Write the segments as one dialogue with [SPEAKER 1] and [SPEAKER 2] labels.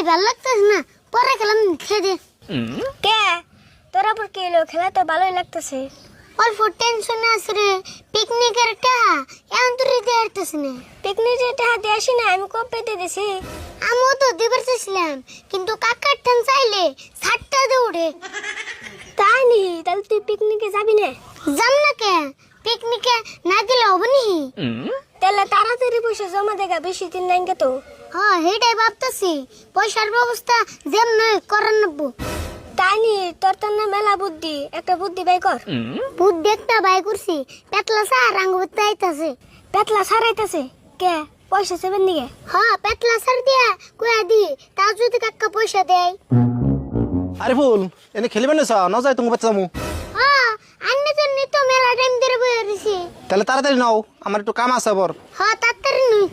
[SPEAKER 1] ভাল লাগতেছে না, পরে খেলাম খেয়ে
[SPEAKER 2] কে তোরা পর কি এলো? খেলা তো ভালোই লাগতেছে।
[SPEAKER 1] অল্প টেনশনে আছে রে, পিকনিকের টাকা এখন তো দিতে পারতেছি না।
[SPEAKER 2] পিকনিকের টাকা দিয়ে আসি না, আমি কবে দিয়ে দিছি।
[SPEAKER 1] আমিও তো দিবার চাইছিলাম, কিন্তু কাকার ঠান চাইলে ছাড়টা দৌড়ে।
[SPEAKER 2] তাই নি? তাহলে তুই পিকনিকে যাবি না?
[SPEAKER 1] যাম না কে, পিকনিকে না গেলে হবে নি?
[SPEAKER 2] তাহলে তাড়াতাড়ি পয়সা জমা দেখা, বেশি দিন নাই তো।
[SPEAKER 1] হ্যাঁ হেটাই ভাবতেছি, পয়সার ব্যবস্থা যেমন করার নেবো।
[SPEAKER 2] তাই নি? তোর তো না মেলা বুদ্ধি, একটা বুদ্ধি বাই কর।
[SPEAKER 1] বুদ্ধি একটা বাই করছি, পেতলা সার আঙ্গুরতে আইতাছে।
[SPEAKER 2] পেতলা সারাইতেছে কে? পয়সা সেবেন দিকে?
[SPEAKER 1] হ্যাঁ পেতলা সার দিয়া কুয়া দি, তা যদি কাকা পয়সা দেয়।
[SPEAKER 3] আরে ফুল এনে খেলিবেন না যায় তোমার বাচ্চা যাবো।
[SPEAKER 1] হ্যাঁ আন্নে জন্য তো মেলা টাইম ধরে বয়ে রয়েছি।
[SPEAKER 3] তাহলে তাড়াতাড়ি নাও, আমার একটু কাম আছে আবার।
[SPEAKER 1] হ্যাঁ তাড়াতাড়ি নই।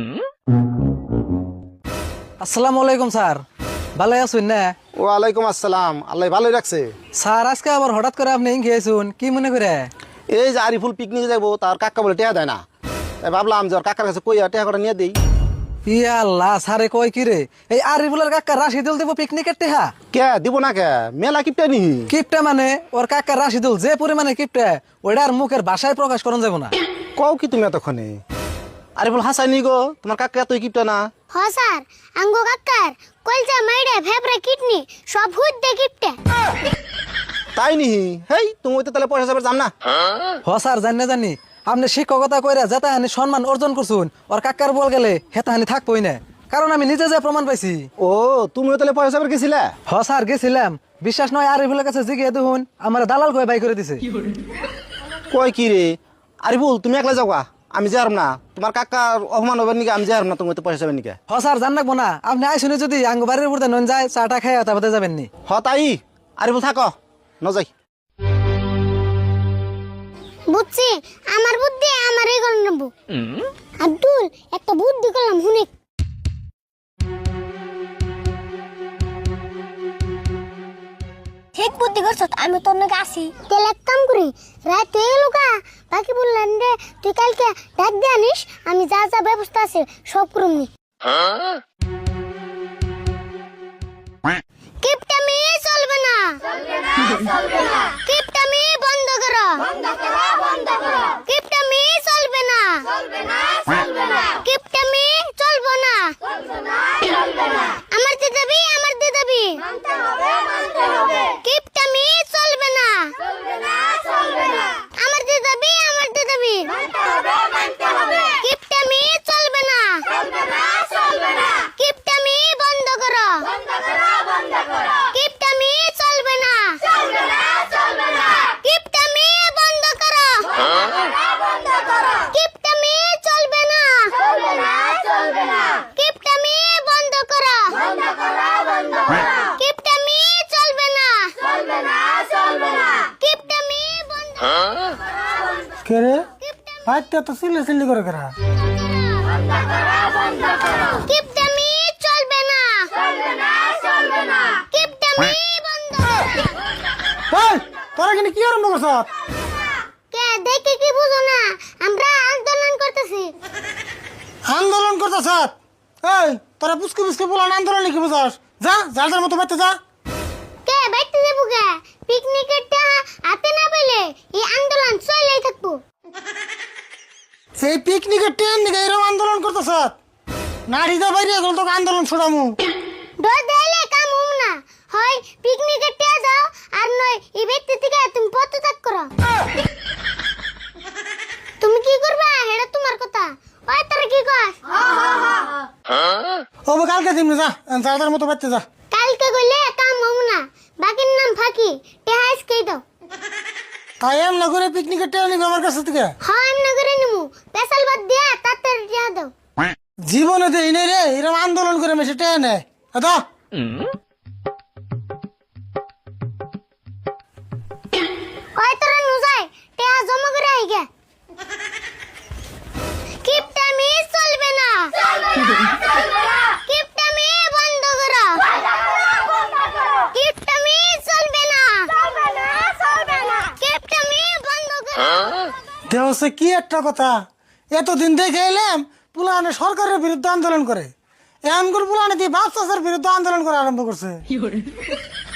[SPEAKER 4] আসসালামু আলাইকুম স্যার, ভালো আছেন না?
[SPEAKER 3] ওয়ালাইকুম আসসালাম, আল্লাহ ভালোই রাখছে।
[SPEAKER 4] স্যার আজকে আবার হঠাৎ করে আপনি খেয়েছুন, কি মনে করে?
[SPEAKER 3] এই যে আরিফুল পিকনিকে যাবো, তার কাকা বলে টেয়া দেয় না, তাই ভাবলাম যে ওর কাকার কাছে কইয়া টেয়া করে নিয়ে দেই।
[SPEAKER 4] ইয়া আল্লাহ, স্যারে কয় কি রে, এই আরিফুলের কাকা রাশিদুল দেব পিকনিকের টেহা?
[SPEAKER 3] কে দিব না কে, মেলা কিপটা নি।
[SPEAKER 4] কিপটা মানে ওর কাকা রাশিদুল যে পরিমাণে কিপটা, ওইটার মুখের ভাষায় প্রকাশ করন যাব না।
[SPEAKER 3] কও কি তুমি এতক্ষণে? আরিফুল হাসাই নি গো, তোমার কাকা এতই কিপটা না।
[SPEAKER 1] হ্যাঁ স্যার, আঙ্গো কাকার কলজা মাইড়ে ফেবরে কিডনি সব হুদ দে গিফটে।
[SPEAKER 3] তাই নি? হেই তুমি তো তাহলে পয়সা যাবে যাম না।
[SPEAKER 4] হ স্যার, জানি আপনি শিক্ষকতা কইরা যেতাহানি সম্মান অর্জন করছুন, ওর কাকার বল গেলে হেতাহানি থাকবই না, কারণ আমি নিজে যে প্রমাণ পাইছি।
[SPEAKER 3] ও তুমিও তাহলে পয়সা যাবে গেছিলে?
[SPEAKER 4] হ স্যার গেছিলাম, বিশ্বাস নয় আরিফুলের কাছে জিগিয়ে দেখুন, আমার দালাল কয়ে বাই করে দিছে।
[SPEAKER 3] কয় কি রে? আরিফুল তুমি একলা যাওয়া, আমি যাম না। তোমার কাকার অপমান হবে নাকি, আমি যাম না। তুমি তো পয়সা যাবে নাকি?
[SPEAKER 4] হ স্যার জান রাখবো না, আপনি আইসুনি যদি আঙ্গ বাড়ির উপরে নন যায় চাটা খাই তারপরে যাবেন নি।
[SPEAKER 3] হ তাই আরিফুল থাকো, ন যাই।
[SPEAKER 1] বুঝছি, আমার বুদ্ধি আমারই করে নেবো। আব্দুল একটা বুদ্ধি করলাম শুনে।
[SPEAKER 2] ঠিক বুদ্ধি করছ, আমি তোর নাকি আসি।
[SPEAKER 1] তাহলে এক কাম করি, রাত হয়ে গেল কা, বাকি বললেন রে তুই কালকে ডাক দিয়ে আনিস, আমি যা যা ব্যবস্থা আছে সব করুম নি। কিপটামি চলবে না, কিপটামি বন্ধ করো, কিপটামি চলবে না, কিপটামি চলবে না। আমার দিয়ে যাবি, আমার দিয়ে যাবি, কিপটামি চলবে না, আমার দিয়ে যাবি, আমার দিয়ে যাবি, কিপটামি চলবে না, কিপটামি বন্ধ করো, কিপটামি চলবে না, কিপটামি বন্ধ করো, কিপটামি চলবে না, কিপটামি বন্ধ করো, কিপটামি চলবে না, কিপটামি বন্ধ।
[SPEAKER 5] কে রে ভাইটা তো সিলে সিলি করে করা।
[SPEAKER 1] কিপটামি চলবে না, কিপটামি বন্ধ।
[SPEAKER 5] এই তোরা কিন্তু কি আরম্ভ করছ?
[SPEAKER 1] কে দেখে কি বুঝো না, আমরা আন্দোলন করতেছি।
[SPEAKER 5] আন্দোলন করতেছ? এই তোরা বুঝকে বুঝকে বলান আন্দোলন কি বুঝাস? যা যার যার মতো বাইতে যা।
[SPEAKER 1] কে বাইতে দেবো কে? পিকনিকের টাকা হাতে না পেলে এই আন্দোলন চলেই থাকবো।
[SPEAKER 5] সেই পিকনিকের ট্রেন দিকে এরকম আন্দোলন করতেছ? নারীদা বাইরে গেল তোকে আন্দোলন ছড়ামু।
[SPEAKER 1] ডর দিলে কাম হম না, হয় পিকনিকের টাকা দাও, আর নয় এই ব্যক্তি থেকে তুমি পদত্যাগ করো। তুমি কি করবা এটা তোমার কথা, ওই তোরা কি কস?
[SPEAKER 5] ও কালকে দিন যা যার যার মতো বাইতে যা।
[SPEAKER 1] কালকে গইলে কাম হম না, বাকির নাম ফাঁকি, টাকা আজকেই দাও।
[SPEAKER 5] তাই এম না করে পিকনিকের ট্রেন নিবি আমার কাছে থেকে?
[SPEAKER 1] হ্যাঁ এমনি করে নিমু, পেশাল বাদ দিয়া তাড়াতাড়ি টাকা দাও।
[SPEAKER 5] জীবনে দেই নাই রে এরকম আন্দোলন করে মেশে ট্রেন নেয়। দাও
[SPEAKER 1] ওই তোরা নুজাই টাকা জমা করে আইগে। কিপটামি চলবে না, কিপটামি বন্ধ করো, কিপটামি চলবে না, কিপটামি বন্ধ করো।
[SPEAKER 5] দেহসে কি একটা কথা, এতদিন দেখে এলাম পুলানে সরকারের বিরুদ্ধে আন্দোলন করে, এমন করে পুলানে দিয়ে বাপ চাষের বিরুদ্ধে আন্দোলন করা আরম্ভ করছে